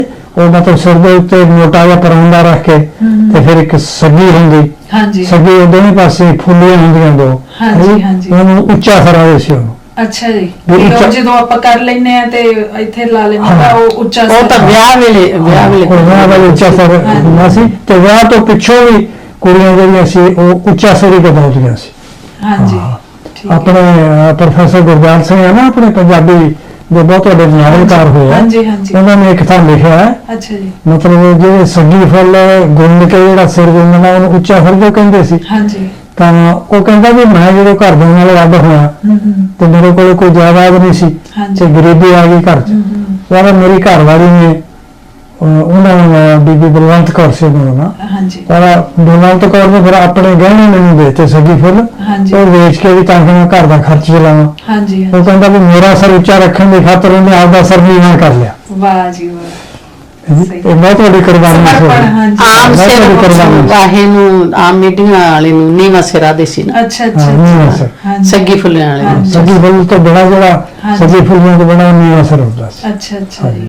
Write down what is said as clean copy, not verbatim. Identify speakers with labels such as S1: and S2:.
S1: ਉਹ ਮਤਲਬ ਸਿਰ ਦੇ ਉੱਤੇ ਮੋਟਾ ਜਿਹਾ ਪਰਾਂਦਾ ਰੱਖ ਕੇ ਤੇ ਫਿਰ ਇੱਕ ਸੱਗੀ ਹੁੰਦੀ,
S2: ਹਾਂਜੀ
S1: ਸੱਗੀ ਉਹ ਦੋਵੇਂ ਪਾਸੇ ਫੁੱਲੀਆਂ ਹੁੰਦੀਆਂ ਦੋ,
S2: ਹਾਂਜੀ ਹਾਂਜੀ
S1: ਉਹਨੂੰ ਉੱਚਾ ਕਰਾਵੇ ਸੀ ਉਹਨੂੰ।
S2: ਅੱਛਾ ਜੀ,
S1: ਵੀ ਉੱਚਾ-
S2: ਜਦੋਂ ਆਪਾਂ ਕਰ ਲੈਨੇ ਆ ਤੇ ਇੱਥੇ ਲਾ ਲੈਨੇ ਆ ਉਹ ਉੱਚਾ
S3: ਉਹ ਤਾਂ ਵਿਆਹ ਵੇਲੇ
S1: ਵਿਆਹ ਵਾਲੇ ਉੱਚਾ ਸਰ ਹੁੰਦਾ ਸੀ ਤੇ ਵਿਆਹ ਤੋਂ ਪਿੱਛੋਂ ਵੀ ਕੁੜੀਆਂ ਜਿਹੜੀਆਂ ਸੀ ਉਹ ਉੱਚਾ ਸਰ ਹੀ ਕਰਾਉਂਦੀਆਂ ਸੀ।
S2: ਹਾਂਜੀ ਠੀਕ ਹੈ।
S1: ਆਪਣੇ ਪ੍ਰੋਫੈਸਰ ਗੁਰਦਿਆਲ ਸਿੰਘ ਹੈ ਨਾ, ਆਪਣੇ ਪੰਜਾਬੀ ਦੇ ਬਹੁਤ ਵੱਡੇ ਨਾਵਲਕਾਰ ਹੋਏ ਆ,
S2: ਹਾਂਜੀ ਹਾਂਜੀ
S1: ਉਹਨਾਂ ਨੇ ਇੱਕ ਥਾਂ ਲਿਖਿਆ ਹੈ,
S2: ਅੱਛਾ ਜੀ
S1: ਮਤਲਬ ਜਿਹੜੇ ਸੱਗੀ ਫੁੱਲ ਗੁੰਨ ਕੇ ਜਿਹੜਾ ਸਿਰ ਗੁੰਨਣਾ ਉਹਨੂੰ ਉੱਚਾ ਫੁੱਲ ਜੋ ਕਹਿੰਦੇ ਸੀ।
S2: ਹਾਂਜੀ
S1: ਤਾਂ ਉਹ ਕਹਿੰਦਾ ਵੀ ਮੈਂ ਜਦੋਂ ਘਰ ਦੇ ਨਾਲ ਅੱਡ ਹੋਇਆ ਤੇ ਮੇਰੇ ਕੋਲ ਕੋਈ ਜਾਇਦਾਦ ਨਹੀਂ ਸੀ
S2: ਹਾਂਜੀ
S1: ਤੇ ਗਰੀਬੀ ਆ ਗਈ ਘਰ 'ਚ। ਪਰ ਮੇਰੀ ਘਰ ਵਾਲੀ ਨੇ ਉਹਨਾਂ ਨੂੰ ਬੀਬੀ ਬਲਵੰਤ ਕੌਰ ਸੀ ਉਹਨਾਂ ਦਾ,
S2: ਹਾਂਜੀ
S1: ਪਰ ਬਲਵੰਤ ਕੌਰ ਨੇ ਫਿਰ ਆਪਣੇ ਗਹਿਣੇ ਮੈਨੂੰ ਦੇ ਦਿੱਤੇ ਸੱਗੀ ਫੁੱਲ,
S2: ਹਾਂਜੀ
S1: ਉਹ ਵੇਚ ਕੇ ਵੀ ਤਾਂ ਕਿ ਮੈਂ ਘਰ ਦਾ ਖਰਚ ਚਲਾਵਾਂ।
S2: ਹਾਂਜੀ
S1: ਉਹ ਕਹਿੰਦਾ ਵੀ ਮੇਰਾ ਸਰ ਉੱਚਾ ਰੱਖਣ ਦੀ ਖਾਤਰ ਉਹਨੇ ਆਪਦਾ ਸਰ ਨੀਵਾਂ ਕਰ ਲਿਆ।
S2: ਵਾਹ ਜੀ ਵਾਹ,
S1: ਇਹ ਬਹੁਤ ਵੱਡੀ ਕੁਰਬਾਨੀ ਸੀ।
S2: ਸਮਰਪਣ, ਹਾਂਜੀ
S3: ਆਮ
S1: ਬਹੁਤ
S3: ਸਿਰ
S1: ਵੱਡੀ ਕੁਰਬਾਨੀ ਸੀ।
S3: ਵਾਹੇ ਨੂੰ ਆਮ ਮੀਡੀਆ ਵਾਲੇ ਨੂੰ ਨੀਵਾਂ ਸਿਰਾ ਦੇ ਸੀ ਨਾ,
S2: ਅੱਛਾ
S1: ਹਾਂ,
S2: ਅੱਛਾ
S1: ਨੀਵਾਂ ਸਿਰ।
S2: ਹਾਂਜੀ
S3: ਸੱਗੀ ਫੁੱਲਿਆਂ ਵਾਲੇ ਨੂੰ।
S2: ਹਾਂਜੀ।
S1: ਸੱਗੀ ਫੁੱਲ ਤੋਂ ਬੜਾ ਜਿਹੜਾ
S2: ਹਾਂਜੀ।
S1: ਸੱਗੀ ਫੁੱਲਾਂ ਤੋਂ ਬੜਾ ਨੀਵਾਂ ਸਿਰ ਹੁੰਦਾ ਸੀ।
S2: ਅੱਛਾ ਅੱਛਾ ਜੀ।